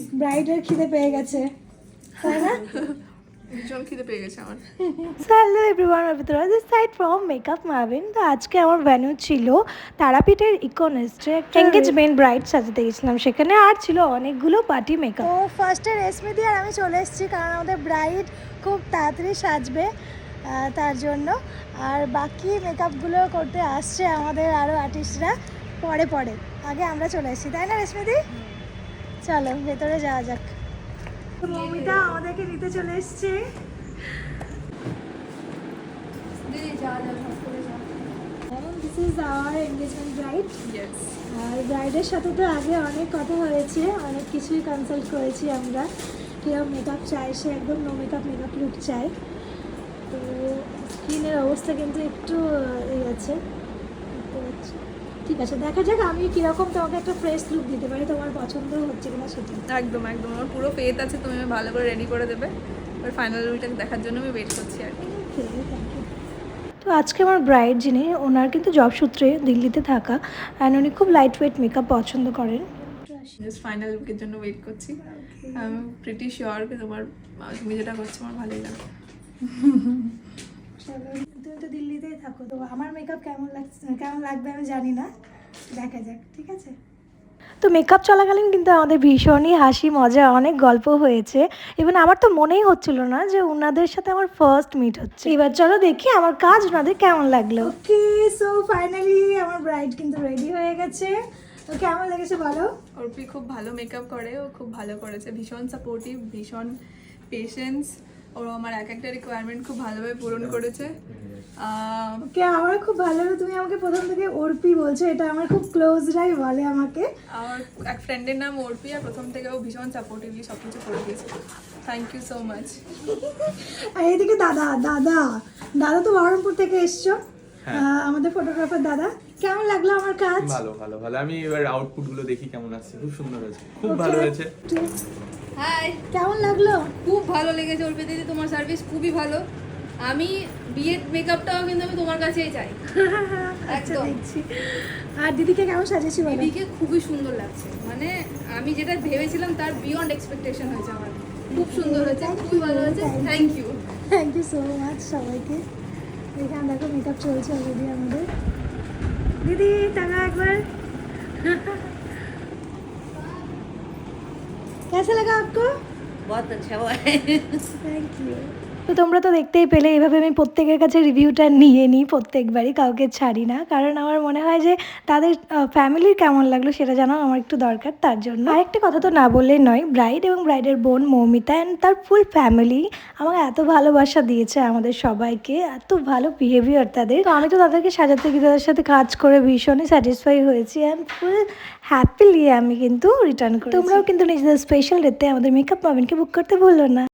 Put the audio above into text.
ব্রাইডের খিদে পেয়ে গেছে, তাই না? ভীষণ খিদে পেয়ে গেছে আমার। হ্যালো এভরিওয়ান, অভিতরা this side from makeup Marvin. তো আজকে আমার ভ্যানু ছিল তারাপীঠের ইকোনেস্টে একটা এঙ্গেজমেন্ট ব্রাইড সাজাতে গেছিলাম, সেখানে আর ছিল অনেকগুলো পার্টি মেকআপ। তো ফার্স্টে রেশমি দিয়ে আর আমি চলে এসেছি, কারণ আমাদের ব্রাইড খুব তাড়াতাড়ি সাজবে তার জন্য। আর বাকি মেকআপগুলো করতে আসছে আমাদের আরও আর্টিস্টরা পরে পরে, আগে আমরা চলে এসেছি, তাই না রেশমি দি? চলো ভেতরে যাওয়া যাক। মমিতা আমাদেরকে নিতে চলে এসছে। This is our engagement bride. Yes. আর ব্রাইডের সাথে তো আগে অনেক কথা হয়েছে, অনেক কিছুই কনসাল্ট করেছি আমরা, কীরকম মেকআপ চাই, সে একদম নো মেকআপ লুক চাই। তো স্কিনের অবস্থা কিন্তু একটু এই আছে, ঠিক আছে দেখা যাক আমি কীরকম তোমাকে একটা ফ্রেশ লুক দিতে পারি, তোমার পছন্দ হচ্ছে কিনা সেটা। একদম একদম, আমার পুরো ফেথ আছে তুমি আমায় ভালো করে রেডি করে দেবে। এবার ফাইনাল লুকটাকে দেখার জন্য আমি ওয়েট করছি আর কি। তো আজকে আমার ব্রাইড যিনি, ওনার কিন্তু জব সূত্রে দিল্লিতে থাকা, অ্যান্ড উনি খুব লাইট ওয়েট মেকআপ পছন্দ করেন। জাস্ট ফাইনাল লুকের জন্য ওয়েট করছি। আমি প্রিটি শিওর যে তুমি যেটা করছো আমার ভালোই লাগবে। তুমি তো দিল্লিতেই থাকো, তো আমার মেকআপ কেমন লাগবে আমি জানি না, দেখা যাক, ঠিক আছে? তো মেকআপ চলাকালীন কিন্তু আমাদের ভীষণই হাসি মজা, অনেক গল্প হয়েছে। ইভেন আমার তো মনেই হচ্ছিল না যে ওনাদের সাথে আমার ফার্স্ট মিট হচ্ছে। এবার চলো দেখি আমার কাজ ওনাদের কেমন লাগলো। ওকে, সো ফাইনালি আমার ব্রাইড কিন্তু রেডি হয়ে গেছে। তো কেমন লেগেছে বলো? অর্পি খুব ভালো মেকআপ করে, ও খুব ভালো করেছে, ভীষণ সাপোর্টিভ, ভীষণ পেশেন্স। ও আমার এক একটা রিকোয়ারমেন্ট খুব ভালোভাবে পূরণ করেছে। ওকে, আমার খুব ভালো লাগলো তুমি আমাকে প্রথম থেকে অর্পি বলছো, এটা আমার খুব ক্লোজরাই বলে আমাকে। আমার এক ফ্রেন্ডের নাম অর্পি, আর প্রথম থেকে ও ভীষণ সাপোর্টিভলি সব কিছু করে দিয়েছে। Thank you so much. আর এইদিকে দাদা দাদা দাদা তো বহরমপুর থেকে এসছো, আমাদের ফটোগ্রাফার দাদা। কেমন লাগলো আমার কাজ? ভালো ভালো ভালো। আমি এবার আউটপুট গুলো দেখি কেমন আসছে। খুব সুন্দর হয়েছে, খুব ভালো হয়েছে। হাই, কেমন লাগলো? খুব ভালো লেগেছে অর্পি দিদি, তোমার সার্ভিস খুবই ভালো। আমি বিয়ের মেকআপটাও কিন্তু আমি তোমার কাছেই চাই। আচ্ছা একদম। দেখছি। আর দিদিকে কেমন সাজেছি বলো? দিদিকে খুবই সুন্দর লাগছে, মানে আমি যেটা ভেবেছিলাম তার বিয়ন্ড এক্সপেকটেশন হয়েছে আমার। খুব সুন্দর হয়েছে, খুবই ভালো হয়েছে। Thank you. Thank you so much সবাইকে। এখানে দেখো মেকআপ চলছে অলরেডি আমাদের। দিদি টাকা একবার। कैसा लगा आपको? बहुत अच्छा हुआ है। Thank you. তো তোমরা তো দেখতেই পেলে, এভাবে আমি প্রত্যেকের কাছে রিভিউটা নিয়ে নিই প্রত্যেকবারই, কাউকে ছাড়ি না, কারণ আমার মনে হয় যে তাদের ফ্যামিলির কেমন লাগলো সেটা জানাও আমার একটু দরকার। তার জন্য আরেকটা কথা তো না বললেই নয়, ব্রাইড এবং ব্রাইডের বোন মৌমিতা অ্যান্ড তার ফুল ফ্যামিলি আমাকে এত ভালোবাসা দিয়েছে, আমাদের সবাইকে এত ভালো বিহেভিয়ার তাদের। তো আমি তো তাদেরকে সাজাতে গিয়ে তাদের সাথে কাজ করে ভীষণই স্যাটিসফাই হয়েছি, অ্যান্ড ফুল হ্যাপিলি আমি কিন্তু রিটার্ন করি। তোমরাও কিন্তু নিজেদের স্পেশাল ডেতে আমাদের মেকআপ মার্ভিনকে বুক করতে ভুলো না।